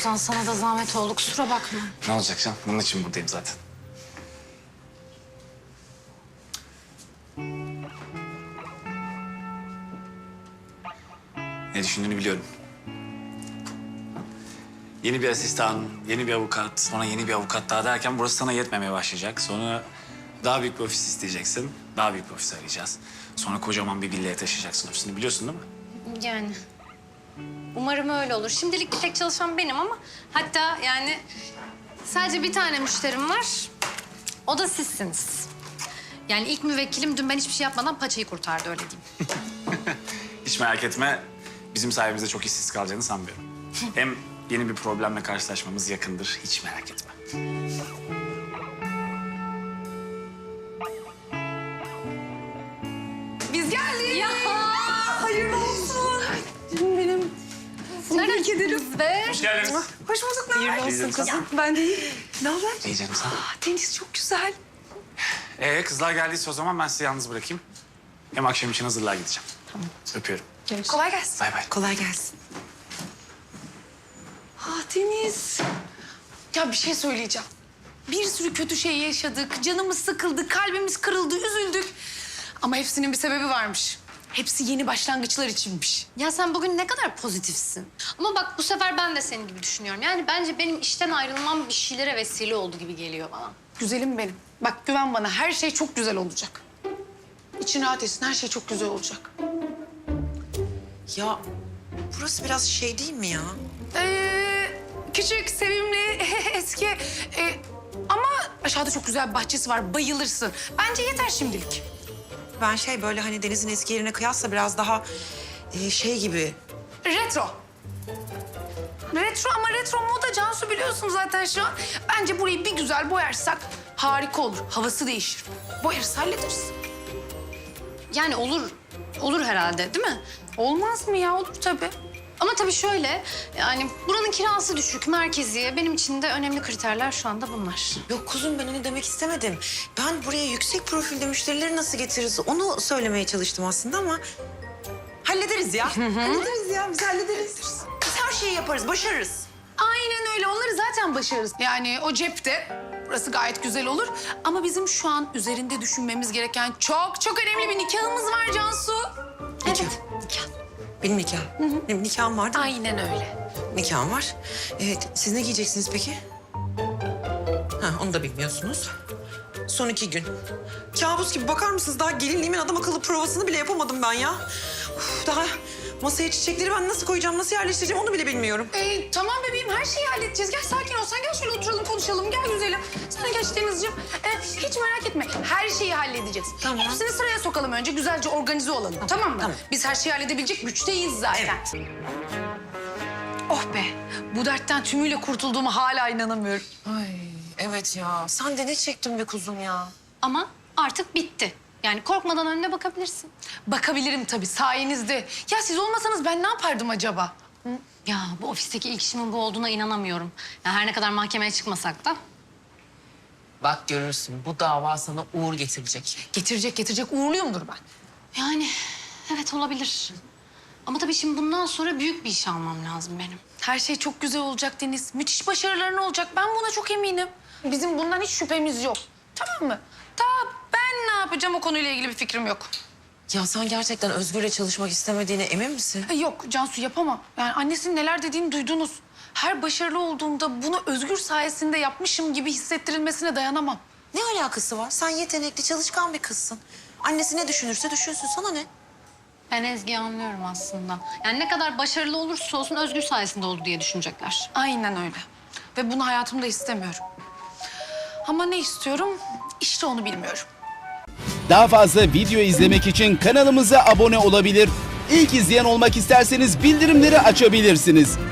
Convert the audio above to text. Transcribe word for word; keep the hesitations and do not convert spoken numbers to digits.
Ozan sana da zahmet oldu, kusura bakma. Ne olacak canım? Bunun için buradayım zaten. Ne düşündüğünü biliyorum. Yeni bir asistan, yeni bir avukat, sonra yeni bir avukat daha derken burası sana yetmemeye başlayacak. Sonra daha büyük bir ofis isteyeceksin. Daha büyük bir ofis arayacağız. Sonra kocaman bir villaya taşıyacaksın ofisini, biliyorsun değil mi? Yani umarım öyle olur. Şimdilik bir tek çalışan benim ama hatta yani sadece bir tane müşterim var. O da sizsiniz. Yani ilk müvekkilim dün ben hiçbir şey yapmadan paçayı kurtardı, öyle diyeyim. Hiç merak etme. Bizim sayemizde çok işsiz kalacağını sanmıyorum. Hem yeni bir problemle karşılaşmamız yakındır. Hiç merak etme. Biz geldik. Ya Hayırlı olsun. Canım benim. tebrik ederim be. Hoş geldiniz. Hoş bulduk. Ne haber? Hayırlı olsun kızım. Ben de iyi. Ne haber? İyi canım sen. Ah, deniz çok güzel. Ee kızlar geldiyse o zaman ben sizi yalnız bırakayım. Hem akşam için hazırlığa gideceğim. Tamam. Öpüyorum. Kolay gelsin. Bay bay. Kolay gelsin. Ah Deniz. Ya bir şey söyleyeceğim. Bir sürü kötü şey yaşadık. Canımız sıkıldı, kalbimiz kırıldı, üzüldük. Ama hepsinin bir sebebi varmış. Hepsi yeni başlangıçlar içinmiş. Ya sen bugün ne kadar pozitifsin. Ama bak bu sefer ben de senin gibi düşünüyorum. Yani bence benim işten ayrılmam bir şeylere vesile oldu gibi geliyor bana. Güzelim benim. Bak güven bana, her şey çok güzel olacak. İçin rahat etsin, her şey çok güzel olacak. Ya burası biraz şey değil mi ya? Ee, küçük, sevimli, eski. Ee, ama aşağıda çok güzel bir bahçesi var, bayılırsın. Bence yeter şimdilik. Ben şey böyle hani denizin eski yerine kıyasla biraz daha e, şey gibi. Retro. Retro ama retro moda Cansu, biliyorsun zaten şu an. Bence burayı bir güzel boyarsak harika olur. Havası değişir. Boyarız, hallederiz. Yani olur, olur herhalde değil mi? Olmaz mı ya? Olur tabii. Ama tabii şöyle, yani buranın kirası düşük, merkezi. Benim için de önemli kriterler şu anda bunlar. Yok kuzum, ben onu demek istemedim. Ben buraya yüksek profilde müşterileri nasıl getiririz onu söylemeye çalıştım aslında ama... Hallederiz ya. Hallederiz ya, biz hallederiz. Biz her şeyi yaparız, başarırız. Aynen öyle. Onları zaten başarırız. Yani o cepte. Burası gayet güzel olur. Ama bizim şu an üzerinde düşünmemiz gereken çok çok önemli bir nikahımız var Cansu. Nikah. Nikah. Benim nikahım. Benim nikahım var değil mi? Aynen öyle. Nikahım var. Evet, siz ne giyeceksiniz peki? Ha, onu da bilmiyorsunuz. Son iki gün. Kabus gibi, bakar mısınız? Daha gelinliğimin adam akıllı provasını bile yapamadım ben ya. Uf, daha masaya çiçekleri ben nasıl koyacağım, nasıl yerleştireceğim onu bile bilmiyorum. Ee, tamam bebeğim, her şeyi halledeceğiz. Gel sakin ol. Sen gel şöyle oturalım, konuşalım. Gel güzelim. Sana geç Denizciğim. Ee, hiç merak etme. Her şeyi halledeceğiz. Tamam. Hepsini sıraya sokalım önce. Güzelce organize olalım. Tamam mı? Tamam. Biz her şeyi halledebilecek güçteyiz zaten. Evet. Oh be. Bu dertten tümüyle kurtulduğuma hala inanamıyorum. Ay evet ya. Sen de ne çektin be kuzum ya? Ama artık bitti. Yani korkmadan önüne bakabilirsin. Bakabilirim tabii sayenizde. Ya siz olmasanız ben ne yapardım acaba? Ya bu ofisteki ilk işimin bu olduğuna inanamıyorum. Ya her ne kadar mahkemeye çıkmasak da. Bak görürsün, bu dava sana uğur getirecek. Getirecek getirecek uğurluyumdur ben. Yani evet olabilir. Ama tabii şimdi bundan sonra büyük bir iş almam lazım benim. Her şey çok güzel olacak Deniz. Müthiş başarıların olacak. Ben buna çok eminim. Bizim bundan hiç şüphemiz yok. Tamam mı? Ta ben ne yapacağım o konuyla ilgili bir fikrim yok. Ya sen gerçekten Özgür'le çalışmak istemediğine emin misin? E, Yok Cansu, yapamam. Yani annesinin neler dediğini duydunuz. Her başarılı olduğumda bunu Özgür sayesinde yapmışım gibi hissettirilmesine dayanamam. Ne alakası var? Sen yetenekli, çalışkan bir kızsın. Annesi ne düşünürse düşünsün, sana ne? Ben Ezgi'yi anlıyorum aslında. Yani ne kadar başarılı olursa olsun Özgür sayesinde oldu diye düşünecekler. Aynen öyle. Ve bunu hayatımda istemiyorum. Ama ne istiyorum? İşte onu bilmiyorum. Daha fazla video izlemek için kanalımıza abone olabilir. İlk izleyen olmak isterseniz bildirimleri açabilirsiniz.